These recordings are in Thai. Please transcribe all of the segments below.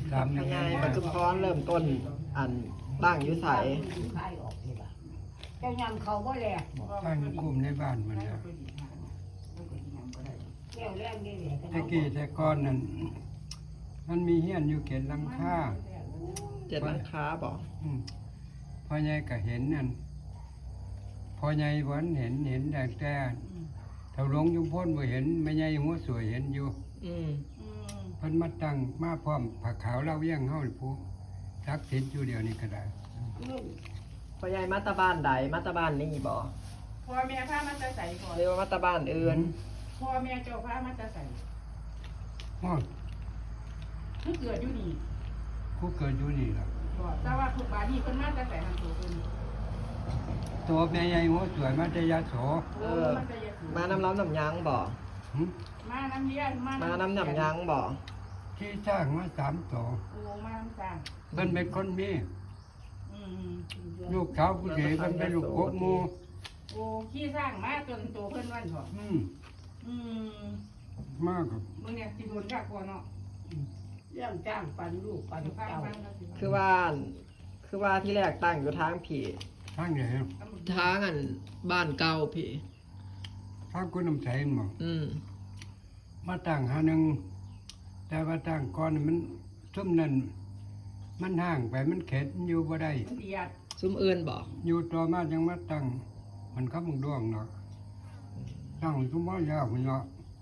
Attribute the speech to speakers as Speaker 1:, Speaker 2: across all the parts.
Speaker 1: ดำ
Speaker 2: พ
Speaker 1: ยังไง
Speaker 2: ญายปัจจุบันเริ่มต้นอันตั้งอยู่ไส
Speaker 3: เจ้ายำเขาบ่แหลก
Speaker 1: ตั้งกลุ่มในบ้านมันนะ
Speaker 3: แก้วแรงนี่แหละ
Speaker 1: ตะกี้แต่ก่อนนั่นมันมีเฮียนอยู่เขตลังค่า
Speaker 2: เจ็ดหลังคาบ่
Speaker 1: พ่อใหญ่ก็เห็นนั่นพ่อใหญ่วันเห็นแต่เท่าหลวงยุมพ้นบ่เห็นแม่ใหญ่หัวสวยเห็นอยู่
Speaker 2: อืม
Speaker 1: เพิ่นมาตั้งมาพร้อมผักขาวเล่าเยี่ยงเฮานี่ผู้ทักษิณอยู่เดียวนี้ก็ได้
Speaker 2: พญายมาตาบ้านใดมาตาบ้านนี่บ่
Speaker 4: พ่อแม่พามาจะใส่ก่อน
Speaker 2: เรียกว่ามาตาบ้านอื่น
Speaker 4: พ่อแม่เจ้าพามาจะใส่
Speaker 1: อ้อ
Speaker 4: คือเกิดอยู่นี่
Speaker 1: ผู้เกิดอยู่นี่ล่ะ
Speaker 4: บอกแต่ว่าทุกบ้านนี่เพิ่นมาจะใส่ทางตัวเพิ่น
Speaker 1: ตัวแม่ใหญ่หัวสวยมาแต่ยาโส
Speaker 2: เออ มาน้ำร้อนน้ำยั้งบ่
Speaker 1: หึ
Speaker 4: มาน้ำเลี้ยง
Speaker 2: มาน้ำยั้งบ่
Speaker 1: ที่สร้างมา3ตัว
Speaker 4: โอ้มาน้ำจาง
Speaker 1: เพิ่นเป็นคนมี
Speaker 4: อืม
Speaker 1: ลูกสาวผู้ใหญ่เพิ่นเป็นลูกกบหมู่
Speaker 4: โอ้ขี้สร้างมาจนโตเพิ่นวันเถอะ อืม
Speaker 1: มากครับ
Speaker 4: มึงเนี่ยสิโดนกักก่อนเนาะ
Speaker 3: เรื่องจ้างปันลูกปัน
Speaker 4: ฟัง
Speaker 3: เจ้า
Speaker 4: ฟังก็สิ
Speaker 2: คือว่าที่แรกตั้งอยู่ทางผี
Speaker 1: ทางไหน
Speaker 2: ทางอันบ้านเก่าผี
Speaker 1: ทางคุณน้ำใสหมอ
Speaker 2: อืม
Speaker 1: มาตั้งหาหนึงแต่ว่าตั้งก่อนมันซุ่มนั่นมันห่างไปมันเข็ดอยู่บ่ได้
Speaker 4: มันเดียด
Speaker 2: ซุ้มเอื่นบ่
Speaker 1: อยู่ต่อมาจังมาตั้งมันคำดวงเนาะตั้งซุ่มบ่ยาวพุ่นเนาะ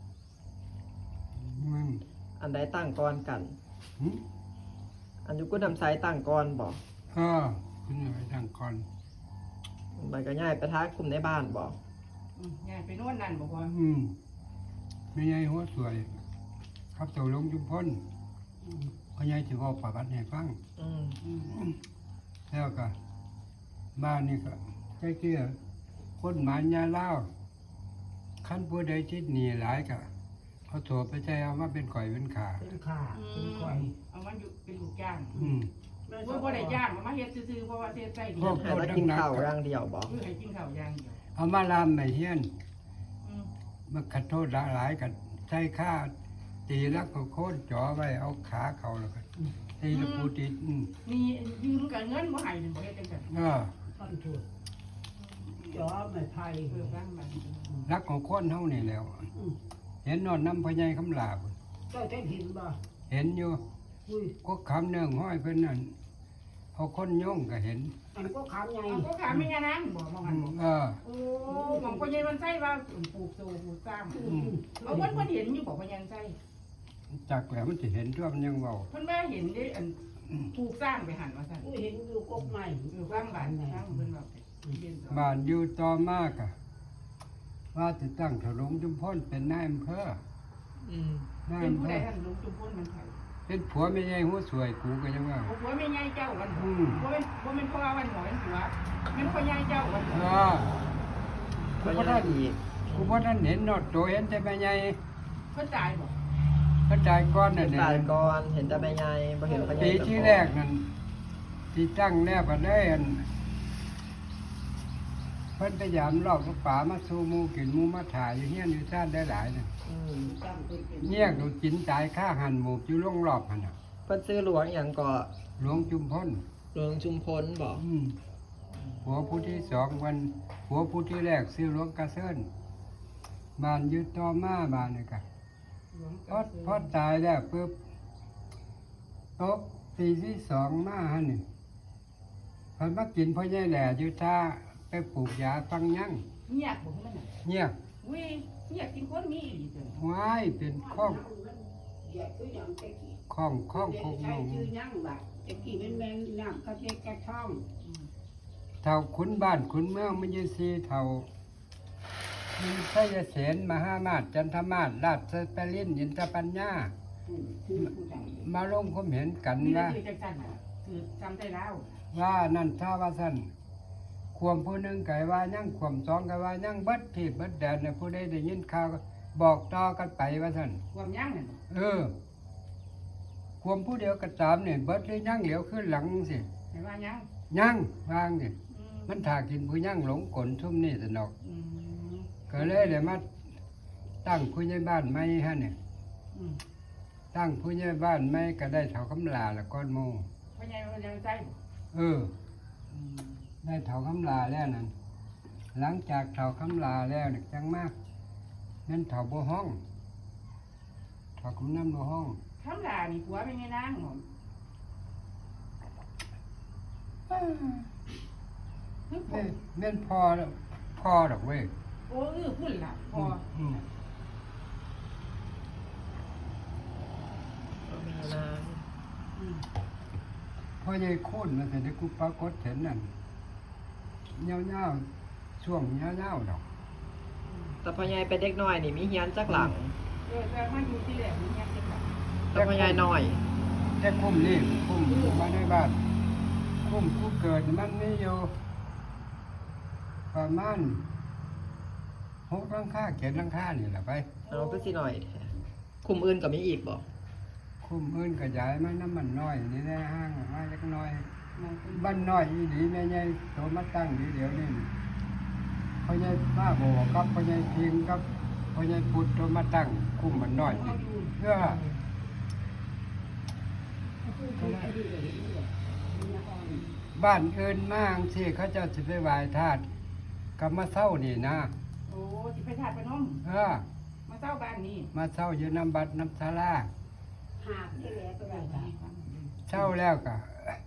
Speaker 1: มัน
Speaker 2: อันใดตั้งก่อนกัน
Speaker 1: หึ
Speaker 2: อันอยู่กุนำไซตั้งก่อนบ่
Speaker 1: คุณเอาไปตั้งก่อน
Speaker 2: มันก็ง่ายไปทางกลุ่มในบ้านบ่
Speaker 4: ยายไปโน่นนั่นบ่พอ
Speaker 1: ไม่ใหญ่หัวสวย ครับเต่าหลวงจุมพ้นพ่อใหญ่สิบอกประวัติให้ฟัง
Speaker 2: อืม
Speaker 1: แล้วก็บ้านนี่ก็ใกล้เกี้ยคนหมายาเล่าวขั้นผู้ใดจิตหนีหลายก็เขาโถไปใจเอามาเป็นก่อยเป็นขา
Speaker 3: เป็นขาเป็นคอย
Speaker 4: เอามาอยู่เป็นลูกจ้าง
Speaker 1: อืม
Speaker 4: บ่ได้จ้างเอามาเฮ็ดซื่อๆเพราะว่าเฮ็ดใส่ดี
Speaker 1: พวก
Speaker 2: ให้มากินข้าวอย่างเดียวบ่
Speaker 4: คือให้กินข้าวอย่างเดียว
Speaker 1: เอามาลามไม่เฮียน
Speaker 4: อืม
Speaker 1: มาขัดโทษหลายกันใช้ค่าตีลักก็โค่นจ่อไว้เอาขาเขาแล้วก็ตีตะปูติด
Speaker 4: นี่ยืมกับเงินบ่ให้นี่บ่เฮ็ดจังซั่น
Speaker 3: ท่อนถูกจอไม่ไผ่
Speaker 4: เพิ่มบ้างมัน
Speaker 1: รักของคนเท่านี่แล้ว เห็นนอนน้ำพญายคำลาบ
Speaker 3: เจ้าจะเห็นบ่
Speaker 1: เห็นอยู่
Speaker 3: อุ้ย
Speaker 1: ก็คำเนื่องห้อยเพิ่นนั่นเอาคนโย่งก็เห็น
Speaker 3: มันก็ขามไง
Speaker 4: เอาก็ขาไม่ยานางบ่มอง
Speaker 1: อื
Speaker 4: หัน
Speaker 1: ม
Speaker 4: บ่ โอ้หมองพ่อใหญ่มันใส่ว่าปลูกโซปลูกซ้ำเอาเพิ่นเห็นอยู่บอกว่ายังใส่
Speaker 1: จากแล้วมันจะเห็นทั่วมันยังเบา
Speaker 4: เพิ่นว่าเห็นได้อันปลูกสร้างไปหันว่าซั่น
Speaker 3: อุ้ยเห็นอยู่กกใหม่
Speaker 4: สร้างบ้านสร้างเพิ่นว่าเรียนสอน
Speaker 1: บ้านอยู่ต่อมากอะว่าจะตั้งถลุงจุมพ้นเป็นนายอำเภอ
Speaker 2: อืม
Speaker 1: นาย
Speaker 4: เป็น
Speaker 1: อำ
Speaker 4: ผู้
Speaker 1: เภ
Speaker 4: ใด
Speaker 1: อ
Speaker 4: ท่านลุงจุมพลมันไผ
Speaker 1: เป็นผัวไม่ใหญ่หัวสวยกูก็ยังว่า
Speaker 4: โอ้ผัวแม่ใหญ่เจ้าวันบ่เป็นพ่อวันหมอเป็นผัวแม่นพ่อใหญ่เจ้าวัน
Speaker 1: กูบ่ทันกูบ่ทันเห็นนอดโตเห็นแต่แม่ใหญ่
Speaker 4: เพิ่นตายบ่
Speaker 1: เพิ่นตายก่อนน่ะ
Speaker 2: ตายก่อนเห็นแต่แม่ใหญ่บ่เห็นพ่อใหญ่
Speaker 1: ปีที่แรกนั่นที่ตั้งแนบกันได้อันเพิ่นพยายามลอกลูกป่ามาสู่หมู่กินหมู่มาถ่ายอยู่เฮียนอยู่ซ่านได้หลายน่ะ
Speaker 2: อืม
Speaker 3: ตั้งเป็นเป็น
Speaker 1: เงียกดูจินตายฆ่าหันหมูบอยู่ล่องรอบหันน่ะ
Speaker 2: เพิ่นซื้อหลวงหยังก็
Speaker 1: หลวงจุมพ้น
Speaker 2: หลวงชุมพลบ่
Speaker 1: หัวผู้ที่สองวันหัวผู้ที่แรกซื้อหลวงกระเซินบ้านอยึดต่อมาบ้านนี่กะพอตายแล้วปุ๊บตกปีที่สองมาฮะนี่เพิ่นมากินพ่อใหญ่แหล่อยู่ท่าไปปลูกยาฟังยั่ง
Speaker 4: เงียบบ่มันน่ะ
Speaker 1: เงียบ
Speaker 4: อุ้ยเงียบกินคนมีอีหลีเด้อ
Speaker 1: ว้ายเป็นข้อง
Speaker 3: เดี๋ยวคือยังตะกี้
Speaker 1: ข้องข้อง
Speaker 3: เด็
Speaker 1: ค
Speaker 3: ก
Speaker 1: ง
Speaker 3: ใช้ชื่อยังบัดตะกี้เป็นแมงน้ำกระเจกกระท่อง
Speaker 1: เท่าขุนบ้านขุนเมืองมันยังซีเท่ามีไสยเสนมหามาศจันทมาศราชสปรินอินทปัญญา
Speaker 3: คือผู้ใด
Speaker 1: มาลงความเห็นกัน
Speaker 4: มีแต่
Speaker 1: ว่า
Speaker 4: คือจังซั่นน่ะคือจำได้แล้ว
Speaker 1: ว่านั่นถ้าว่าสั้นความผู้หนึ่งไก่ว่ายังความสองไก่ว่ายังเบิดที่เบิดแดนเนี่ยผู้ใดได้ยินข่าวก็บอกต่อกันไปว่าสั้น
Speaker 4: ความยังนั่น
Speaker 1: ความผู้เดียวก็ตามเนี่ยเบิดหรือยังเหลียวขึ้นหลังสิ
Speaker 4: ให้ว่ายัง
Speaker 1: ยังวางสิ
Speaker 4: อืม
Speaker 1: มันถากินผู้ยังหลงกลทุ่มนี่สนอก
Speaker 4: อืม
Speaker 1: ก็เลยเดี๋ยวมาตั้งผู้ใหญ่บ้านใหม่ฮะเนี่ย
Speaker 4: อืม
Speaker 1: ทตั้งผู้ใหญ่บ้านไม่ก็ได้เท่าคำลาละก้อนโม
Speaker 4: พ่อใหญ่มันยังใส่บ่
Speaker 1: เออ ได้เท่าคำลาแล้วนั่นหลังจากเท่าคำลาแล้วนี่จังมากนั่นเท่าบ่ห้องเท่าคำน้ำบ่ห้อง
Speaker 4: คำลานี่ผัวเป็นไงนางหมอมคือผ
Speaker 1: แม่
Speaker 4: ม
Speaker 1: แม่นพอดอกเว้ย
Speaker 4: โอ้พุ่นล่ะพอ
Speaker 1: อืม
Speaker 2: ก็มีนาง
Speaker 4: อืม
Speaker 1: พ่อใหญ่โค่นมาแต่ได้กูปรากฏเห็นนั่นเงาๆช่วงเงาๆดอก
Speaker 2: แต่พ่อใหญ่เป็นเด็กน้อยนี่มีเฮียนจักหลัง
Speaker 4: แต่มาอยู่ที่แหลมนี่ยังเป็นแบบ
Speaker 2: แต่พ่อใหญ่น้อย
Speaker 1: แต่คุ้มนี่คุ้มมาในบ้านคุ้มกูเกิดมันนี่อยู่ประมาณ6 หลังคา7 หลังคานี่แหละไป
Speaker 2: เอาก็สิหน่อยแท้คุมอื่นก็มีอีกบ่
Speaker 1: คุ้มอื่นก็ย้ายมาน้ำมันน้อยนี่ได้ห้างมาเล็กน้อยบ้านน้อยอีหลีแม่ใหญ่โตมาตั้งเดี๋ยวนี้พ่อใหญ่ป้าโบกับพ่อใหญ่เพียงกับพ่อใหญ่พุทธโตมาตั้งคุ้มมันน้อยนี่เพื่อ บ้านเอินมากที่เขาเจ้าสิไปไหว้ธาตุกับมาเศร้านี่นะ
Speaker 4: โอ้สิไปทาดไปน้อม
Speaker 1: เออ
Speaker 4: มาเจ้าบ้านนี้
Speaker 1: มาเศร้าอยู่น้ำบัดน้ำศาลา
Speaker 3: หาบที่แหลก็ได้ค่ะ
Speaker 1: เศร้าแล้วก็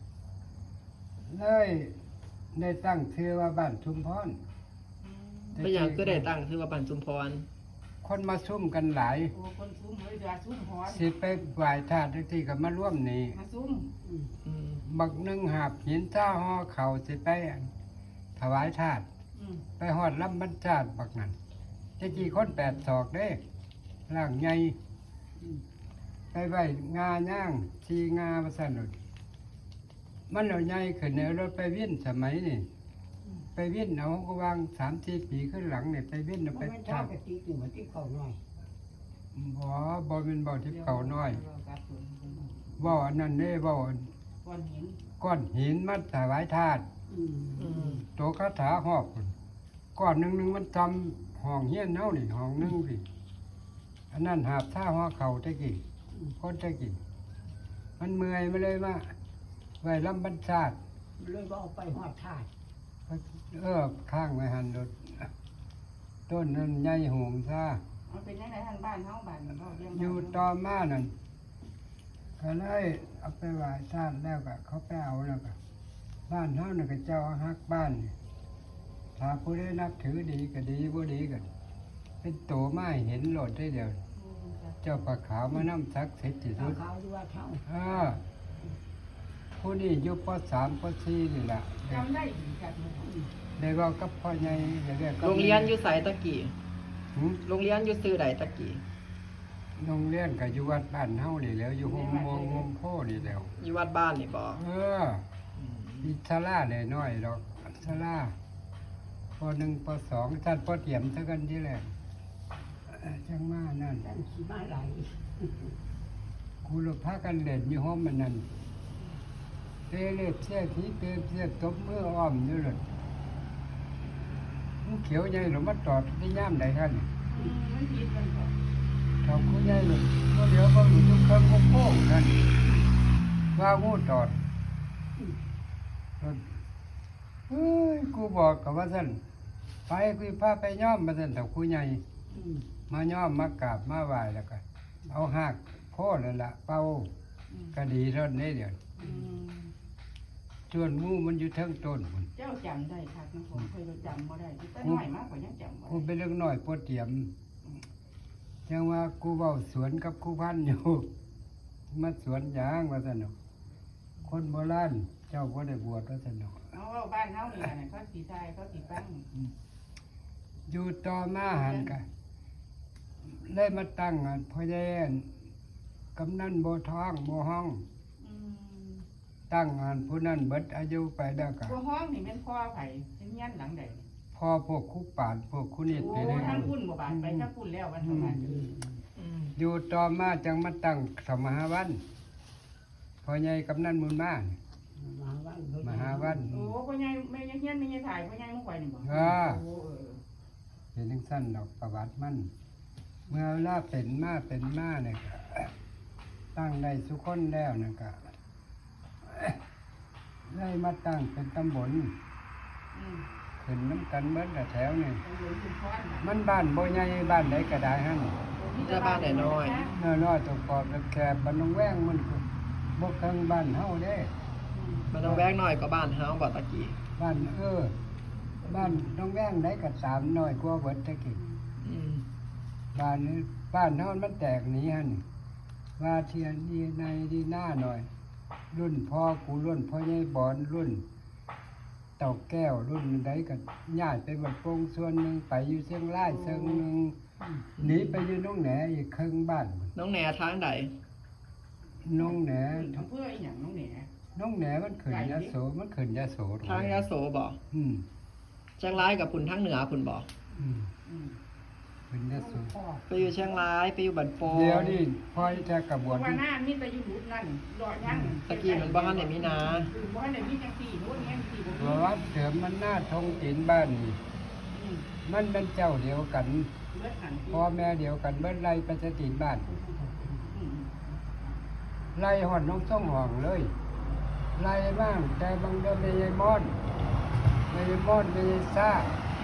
Speaker 1: เลยได้ตั้งชื่อว่าบ้านชุมพร
Speaker 2: เป็นหยังก็ได้ตั้งชื่อว่าปันจุมพร
Speaker 1: คนมาซุ่มกันหลาย
Speaker 4: โอ้คนซุ้มเฮ้ยเดือดซุ้มหอน
Speaker 1: สิไปไหว้ธาตุที่ก็มาร่วมนี่
Speaker 4: มาซุ้ม
Speaker 2: อืม
Speaker 1: บักหนึ่งหาบหินท่าห่อเข่าสิไปถวายธาตุ
Speaker 4: อืม
Speaker 1: ไปหอดลำบรรจาดบักนั้นจะกี่คน8 ศอกเด้ร่างใหญ่ไปไหวงาย่างชีงามาสนุดมันเอาใหญ่ขึ้นเนรถไปวิ่นสมัยนี่ไปวิ่นเอาก็วาง3-4 ปีขึ้นหลังเนี่ยไปวิ่นเอา
Speaker 3: มั
Speaker 1: ไป
Speaker 3: นชอ
Speaker 1: ทา
Speaker 3: บกะติกอยู่มันที่เขาหน่อย
Speaker 1: บ่เป็นบ่อทิพย์เขาน้อยบ่ออันนั้นเด้บ่อ
Speaker 4: ก้อนหิน
Speaker 1: ก้อนหินมัดถวายธาตุ
Speaker 3: อืม
Speaker 2: อืม
Speaker 1: โตคาถาหอกพุ่นก้อนหนึงมันทำห้องเฮียนเฮานี่ห้องหนึงสิอันนั้นหาบท่าห่อเข่าตะกี้คนตะกี้มันเมื่อยมาเลยมาไว้ลำบรรชาติ
Speaker 3: เลยว่าเอาไปหอดทาด
Speaker 1: ข้างไว้หันรถต้นนั้นใหญ่โหงซา
Speaker 4: มันเป็นยังไงท่านบ้านเฮาบ้านเฮาเลี้ยง
Speaker 1: อยู่ต่อมานั่นก็เลยเอาไปไหว้ชาติแล้วก็เขาไปเอาแล้วก็บ้านเฮาน่ะก็เจ้าฮักบ้านนี่ถ้าผู้ใดนับถือดีก็ดีบ่ดีก็เป็นโตมาให้เห็นโลดได้เดียว เจ้าปลาขาวมานำศักดิ์สิทธิ์ที่
Speaker 3: เขา
Speaker 1: สุด
Speaker 3: เขาดูว่าเขา
Speaker 1: ผู้นี้อยู่ป .3 ป .4 นี่แหละ
Speaker 4: จำได้ดีจัดเลย
Speaker 1: ได้เว่ากับพ่อใหญ่ได้เรียกกับ
Speaker 2: โรงเรียนอยู่ไสตะกี้
Speaker 1: หืม
Speaker 2: โรงเรียนอยู่ซื้อใดตะกี้
Speaker 1: โรงเรียนก็อยู่วัดบ้านเฮานี่แหล้วอยู่โฮมมงโฮมโพนี่แหล้ว
Speaker 2: อยู่วัดบ้านนี่บ่
Speaker 1: เออมีศาลาได้น้อยดอกศาลาป .1 ป .2 ท่านปเตรียมซะกันที่แรกจังมานั่น
Speaker 3: แต่ขี่มาไหล
Speaker 1: ครูรพากันเล่นอยู่ห้องมันนั่นเตะเล็บเสียทีเตะเสียตบมืออ้อมอยู่เลยมันเขียวใหญ่หรือมาตอดที่ย่ามใดท่าน
Speaker 4: มันคิดมันก็
Speaker 1: ทำคู่ใหญ่เลยก็เดี๋ยวก็อยู่ทุกเครื่องโค้งๆนั่นว่างูตอดเฮ้ยกูบอกกับว่าสั่นไปกูพาไปย่อมมาสั่นแต่คู่ใหญ่
Speaker 3: อืม
Speaker 1: มาย่อมมากราบมาไหว้แล้วก็เอาหักโค่นั่นละเป่าก็ดีเท่านี้เดี๋ยว
Speaker 4: อืม
Speaker 1: ส่วนหมูมันอยู่เทั้งต้นพุ่น
Speaker 4: เจ้าจำได้ครับนะผมเคยจำบ่ได้แต่น้อยมากกว่ายังจำบ่
Speaker 1: กู
Speaker 4: ได้
Speaker 1: เป็นเรื่องน้อยปวดเตรียมยังว่ากูเว้าสวนกับครูพันธุ์อยู่ มาสวนยางว่าสนุกคนโบราณเจ้าก็ได้บวชว่าสนุก
Speaker 4: เอาว่าบ้านเฮานี่น่ะเขาสิทายเขาสิฟัง
Speaker 1: อยู่ต่อมาหันกันได้มาตั้งอันพ่อแย่นกำนันโบท้องโบห้อง
Speaker 4: อืม
Speaker 1: ตั้งอันผู้นั้นเบิดอายุไปแล้วก็
Speaker 4: บ่ห้องนี่แม่นพ่อไผเป็นเฮียนหลังใด
Speaker 1: พอพวกคุปาดพวกคุนิด
Speaker 4: โอ้
Speaker 1: ไปเลย
Speaker 4: ทางพุ่นบ่บาดไปทางพุ่นแล้ววันเท่านั้น
Speaker 2: อืม
Speaker 1: อยู่ต่อมาจังมาตั้งสมหาวันพ่อใหญ่กำนันมุนมา
Speaker 3: มาวัน
Speaker 1: มหาวัน
Speaker 4: โอ้พ่อใหญ่แม่ยังเฮียนแม่ยังถ่ายพ่อใหญ่มึงไว้นี่บ่
Speaker 1: อ่า
Speaker 4: โอ้เออ
Speaker 1: เห็นทั้งสั้นดอกประวัติมัน เมื่อเวลาเป็นมาเนี่ยก็ตั้งได้สุคนแล้วนั่นก็ ได้มาตั้งเป็นตำบล
Speaker 4: อืม
Speaker 1: ขึ้นน้ำกันเบิดละแถวนี่
Speaker 4: ตำบลชุมพรน่ะ
Speaker 1: มันบ้านบ่ใหญ่บ้านไหนก็ได้หั่น
Speaker 2: แต่บ้านน้อย
Speaker 1: น้อยๆตัวกอบแคบๆบ้านนองแว้งมันก็บ่เคิงบ้านเฮาเด้
Speaker 2: มันต้องแวกน้อยกว่าบ้านเฮาบ่ตะกี้
Speaker 1: บ้านบ้านน้องแว้งได้ก็3น้อยกว่าเบิดตะกี้
Speaker 2: อืม
Speaker 1: บ้านนี้บ้านเฮามันแตกหนีหั่นว่าเทียนดีในดีหน้าหน่อย รุ่นพ่อกูรุ่นพ่อใหญ่บอนรุ่น เต่าแก้วรุ่นใดก็ย้ายไปบัดโป่งส่วนหนึงไปอยู่เชียงรายเชิงหนึงหนีไปอยู่น้องแหนอีกครึ่งบ้าน
Speaker 2: น้องแหน่ทางใด
Speaker 1: น้องแหน
Speaker 4: อำเภออีหยังน้องแหน่
Speaker 1: น้องแหนมันขึ้นยะโสมันขึ้นยะโส
Speaker 2: ทางยะโสบ่
Speaker 1: อืม
Speaker 2: เชียงรายกับพุ่นทางเหนือพุ่นบ่
Speaker 1: อืม
Speaker 4: อืม
Speaker 1: ขึ้นยะโส
Speaker 2: ไปอยู่เชียงรายไปอยู่บันโปง
Speaker 1: เดี๋ยวนี่พอจะกระบวน
Speaker 4: ว่าหน้ามีแต่อยู่หลุดนั่นรอยัง
Speaker 2: ตะกี้มันบ่ทันได้มีนา
Speaker 4: บ่ทันได้มีจังซี่โน่นแง่ซี่บ่
Speaker 1: เพราะว่าเสริมมันหน้าทงตีนบ้านนี่
Speaker 4: อืม
Speaker 1: มันเป็นเจ้าเดียวกัน
Speaker 4: เบิดหัน
Speaker 1: พ่อแม่เดียวกันเบิ้ไล่ไปจะตีนบ้าน
Speaker 4: อืม
Speaker 1: ไล่หอดน้องส่องห้องเลย ไล่บ้างแต่บางเดิมไม่ยายมอนไม่ยายมอนไม่ยายซ่า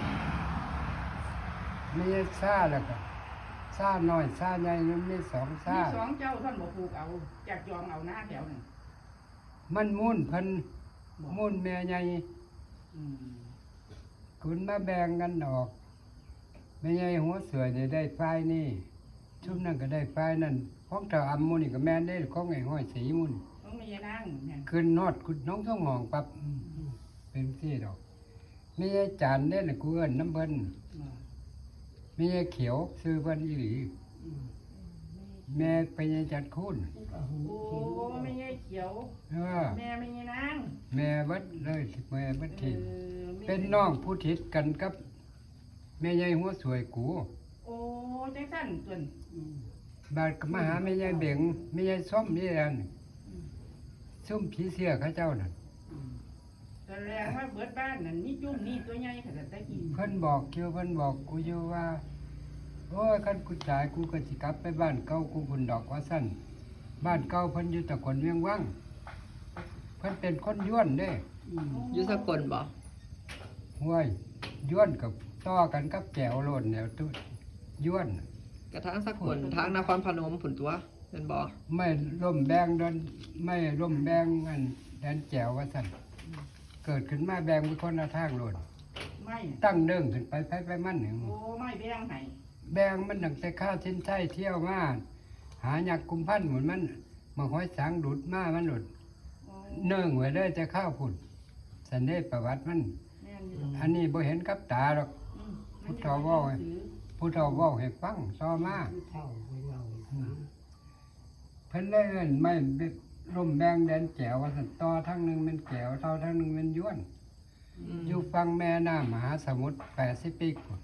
Speaker 1: ไม่ยายซ่าแล้วก็ซ่าหน่อยซ่าใหญ่มันมี2
Speaker 4: มี
Speaker 1: ซ่า
Speaker 4: สองเจ้าท่านบ่ปลูกเอาจากยอมเอาหน้าแถวนึง
Speaker 1: มันมุ่นเพิ่นมุ่นแม่ใหญ่
Speaker 4: อืม
Speaker 1: คุณมาแบ่งกันออกแม่ใหญ่หัวเสือจะได้ไฟนี่ชุบนั่นก็ได้ไฟนั่นของเจ้าอำมุนี่ก็แม่นได้ของไอ้ห้อยสีมุน
Speaker 4: ต้องมีนางเนี่ย
Speaker 1: ขึ้นฮอดคุณน้องท่องหองปับเป็นที่ดอกมีไอ้จานเด้น่ะกูเอิ้นน้ำเพิ่นมีไอ้เขียวซื้อเพิ่นอีหลีแม่ไปยายจัดคุณ
Speaker 4: โอ้ไม่ใช่เขียว
Speaker 1: เออ
Speaker 4: แม่ไม่ใช่นาง
Speaker 1: แม่เบิดเลยแม่เบิดที
Speaker 4: ออ
Speaker 1: เป็นน้องผู้ทิศกันกับ แม่ใหญ่หัวสวยกู
Speaker 4: โอ้จังซั่นส่วน
Speaker 1: บาดก็มาหาแม่ใหญ่เบ่งแม่ใหญ่ส้มนี่แหละนี่ซุ่มผีเสื้อเขาเจ้านั่น
Speaker 4: แสดงว่าเบิดบ้านนั่นนี่จุ่มนี่ตัวใหญ่ขนาดตะกี้
Speaker 1: เพิ่นบอกเกี่ยวเพิ่นบอกกูอยู่ว่า โอ้ยคันกูตายกูก็สิกลับไปบ้านเก่ากูพุ่นดอกว่าซั่นบ้านเก่าเพิ่นอยู่ตะกอนเวียงวังเพิ่นเป็นคนย้วนเด้
Speaker 2: อยู่สกลบ่
Speaker 1: ห้วยย้วนกับต่อกันกับแก้วโลดแนวตุ้ย้วน
Speaker 2: กระทางสกลทางนครพนมพุ่นตัวเป็นบ่
Speaker 1: ไม่ร่มแบงดนไม่ร่มแบงอันแดนแจวว่าซั่นเกิดขึ้นมาแบงเป็นคนละทางโลด
Speaker 4: ไม่
Speaker 1: ตั้งเด้งขึ้นไปมันนี่
Speaker 4: โอ้ไม่แบ่งให้
Speaker 1: แบงมันตั้งแต่ข้าวชิ้นไส้เที่ยวมาหาหยักกุมพันหมุนมันมาห้อยสางดุดมามันหลุด
Speaker 4: โอ้
Speaker 1: เนื่องไว้เลยจะข้าวพุ่นสันเดชประวัติมัน
Speaker 4: แม่นอยู่
Speaker 1: อันนี้บ่เห็นกับตาหรอก
Speaker 4: อืม
Speaker 1: พุทธเว้าไว้ ผู้เฒ่าเว้าให้ฟังต่อมาเพิ่นเลยเอิ้นไม่ร่มแบงแดนแก้วว่าซั่นต่อทั้งหนึงเป็นแก้วต่อทั้งหนึงเป็นย้วน อยู่ฝั่งแม่น้ำมหาสมุทร80 ปีพุ่น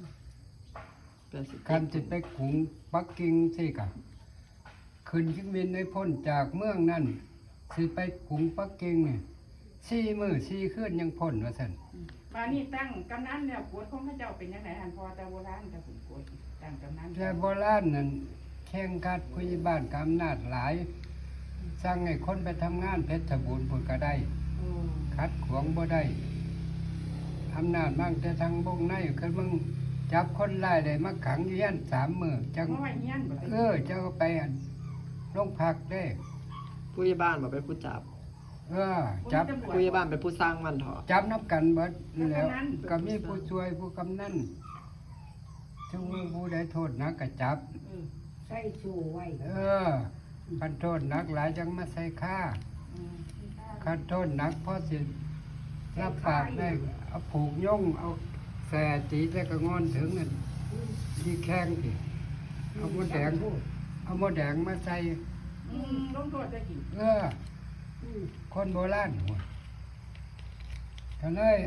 Speaker 2: 80
Speaker 1: คันสิไปกรุงปักกิ่งสิกะขึ้นเครื่องบินได้พ้นจากเมืองนั่นสิไปกรุงปักกิ่งนี่4 มื้อ4 คืนยังพ้นว่าซั่น
Speaker 4: บ้านนี้ตั้งกำนันแล้วกวดของพระเจ้าเป็นยังไงอันพอแต่โบราณแต่ผมกวดตั้งกำนัน
Speaker 1: แต่โบราณนั่นแข่งขัดผู้ใหญ่บ้านกอำนาจหลายสั่งให้คนไปทำงานเพชรบูรณ์พุ่นก็ได้
Speaker 4: โอ้
Speaker 1: ขัดขวางบ่ได้อำนาจมั่งแต่ทางบงในคือมึงจับคนร้ายได้มาขังอยู่ยัน3 มื้อจัง
Speaker 4: เพราะว่าเฮียนบ่ได้
Speaker 1: เจ้าก็ไปอั่นโรงพักได้
Speaker 2: ผู้ใหญ่บ้านบ่เป็นผู้จับ
Speaker 1: จับ
Speaker 2: ผู้ใหญ่บ้านเป็นผู้สร้างมันเถาะ
Speaker 1: จับนับกันเบิดแล้วก็มีผู้ช่วยผู้กำนันถึงผู้ใดโทษหนักก็จับ
Speaker 3: ใส่ชูไว้
Speaker 1: คันโทษหนักหลายจังมาใส่ค่า
Speaker 4: อืม
Speaker 1: คันโทษหนักพอสิรับปากได้เอาผูกย่งเอาแส่ตีแล้วก็งอนถึงนั่นที่แข้งสิเอาหมดแดงมาใส่
Speaker 4: อืมลงโทษได้กี่
Speaker 1: คนโบราณหัวก็เลย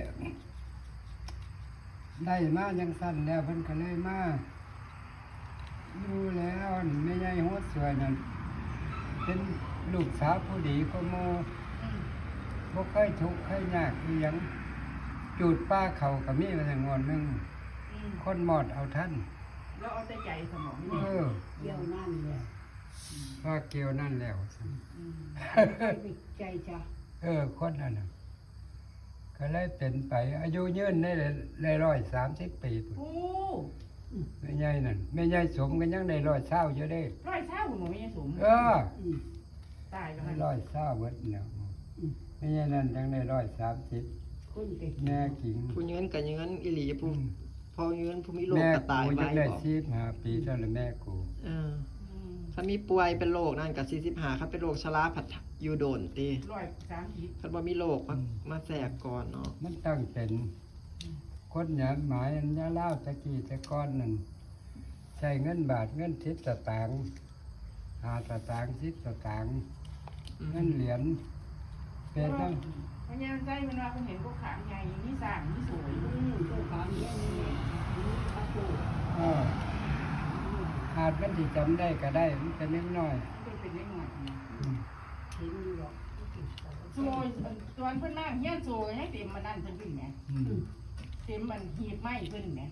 Speaker 1: ได้มายังสั้นแล้วเพิ่นก็เลยมาดูแล้วไม่ใหญ่หัวสวยนั่นเป็นลูกสาวผู้ดีก็โมบ่เคยทุกข์เคยยากอีหยังจูดป้าเขาก็มีมาแต่งอนหนึง
Speaker 4: อืม
Speaker 1: คนหมอดเอาท่าน
Speaker 4: แล้วเอาแต่ใจสมอง
Speaker 1: เอ
Speaker 4: นี่
Speaker 1: อ
Speaker 3: เยี่ยวนั่นเลย
Speaker 1: คว่าเกี่ยวนั่นแล้ว
Speaker 3: ใจจ้ะ
Speaker 1: คนนั้นน่ะก็เลยเป็นไป อายุยืนได้เลย130 ปีพุ่น
Speaker 4: โอ้
Speaker 1: แม่ใหญ่นั่นแม่ใหญ่สมก็ยังได้120อยู่เด้
Speaker 4: ร้อยเช้าหนูไม่ยังสม
Speaker 1: เออ
Speaker 4: ตายแล้ว
Speaker 1: 120เบิดแล้วแม่ใหญ่นั่นยังได้130
Speaker 3: คนเก่ง
Speaker 1: แม่ขิง
Speaker 2: ผู้ยืนกับยืนอีหลีผู้พอยืนผู้มีโรค
Speaker 1: แม่
Speaker 2: กระตาย
Speaker 1: กู
Speaker 2: ไว้
Speaker 1: ยังได้
Speaker 2: บอก
Speaker 1: 15 ปีเท่านั้นแม่กู
Speaker 2: เออถ้ามีป่วยเป็นโรคนั่นกับ45ครับเป็นโรคชราผัดอยู่โดนตี
Speaker 4: 130
Speaker 2: คันบ่มีโรคมาแทรกก่อนเนาะ
Speaker 1: มันตั้งเป็นคนหยาดหมายอันยาเล่าวตะกี้ตะก้อนนั่นใช้เงินบาทเงิน10 สตางค์5 สตางค์10 สตางค์เงินเหรียญเป็นตั้ง
Speaker 4: พญาใจมันว่าคุณเห็นพวกขางใหญ่นี่สร้างนี่สวย
Speaker 3: เจ้าขาเนี่ยนี่ตะปู
Speaker 1: อาจมันที่จำได้ก็ได้มันเป็นเล็กน้อย
Speaker 4: เป็นเล็กหน่อย
Speaker 3: เห็นอยู่หรอก
Speaker 4: โซ่ตอนเพิ่นนั่งเฮียนโซ่ให้เต็มมันนั่นเพิ่นขึ้นแหมเต็มมันหีบไม้เพิ่นแหม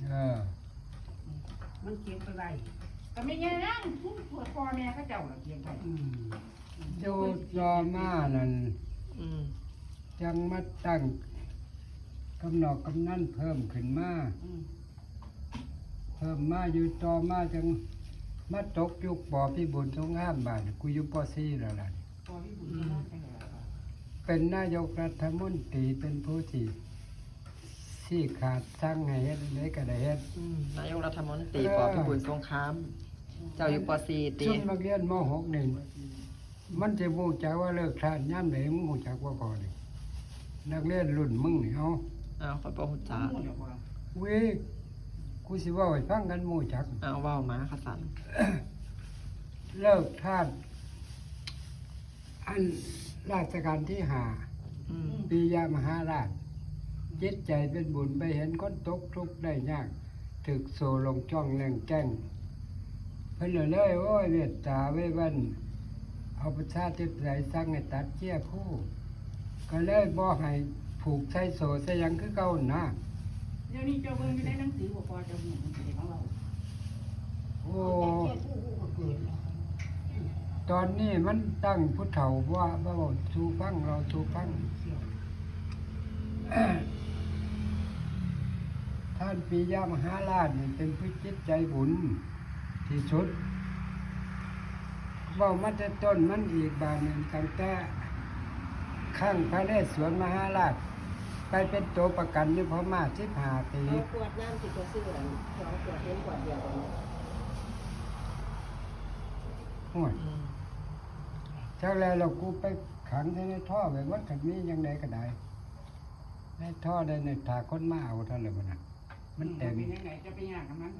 Speaker 3: มันเก็บไปไว้
Speaker 4: ก็ไม่ยังนั่งพ่อแม่เขาเจ้าละเพียงไว้
Speaker 1: ดูรอมานั่น
Speaker 2: อืม
Speaker 1: จังมาตั้งกำหนดกำนั่นเพิ่มขึ้นมาเพิ่มมาอยู่ต่อมาจังมาตกยุคปอพี่บุญสงครามบาทกูอยู่ป .4 แล้วล่ะ
Speaker 4: พอพี่บุญก็มาจังได๋
Speaker 1: เป็นนายกรัฐมนตรีเป็นผู้ที่ขาดสั่งให้เฮ็ดได้ก็ได้เฮ็ด
Speaker 2: นายกรัฐมนตรีปอพิบูลสงคราม เจ้าอยู่ป .4 ตี
Speaker 1: ซุ่มนักเรียนม .6 นี่มันจะรู้จักว่าเลิกทานยามใดมึงรู้จักว่าพอนี่นักเรียนรุ่นมึงนี่เอา
Speaker 2: อ้าวขอยบ่ฮู้จัก
Speaker 1: เว้ยกูสิเว่าให้ฟังกันหมู่จัก
Speaker 2: อ้าวเว้ามาค่ะสัน
Speaker 1: เลิกทานอันราชการที่5
Speaker 2: อืม
Speaker 1: ปียามหาราชจิตใจเป็นบุญไปเห็นคนตกทุกข์ได้ยากถึกโซลงจ้องแรงแจ้งเพิ่นเลยโอ้ยเมตตาไว้วันเอาประชาธิปไตยสร้างให้ตัดเจี้ยคู่ ก็เลยบ่ให้ผูกใช้โซใส่หยังคือเก่านะ
Speaker 4: เดี๋ยวนี้เจ้าเบิ่งอยู่ในหนังสือบ่พอเจ้าหูมันสิของเรา
Speaker 1: โอ้
Speaker 3: แก่ผู้ก็เกิดแล้ว
Speaker 1: ตอนนี้มันตั้งผู้เฒ่าว่าสู่ฟังเราสู่ฟัง ท่านปียามหาราชนี่เป็นผู้จิตใจบุญที่สุดเว่ามันจะต้นมันอีกบานหนึ่งตั้งแต่ข้างพระนเรศวรมหาราช ไปเป็นตัวประกันอยู่พม่า15 ปี
Speaker 3: เอาขวดน้ำที่เขาซื้ออัน2 ขวดเห็นขวดเดียวกัน
Speaker 1: ห่วย
Speaker 2: อืม
Speaker 1: จากแล้วเรากูไปขังในท่อไว้วัดขันมียังไงก็ได้ในท่อได้ในถาคนมาเอาเท่าไหร่มันน่ะมันเต็ม
Speaker 4: เป็นยังไงจะไปย่างกับมัน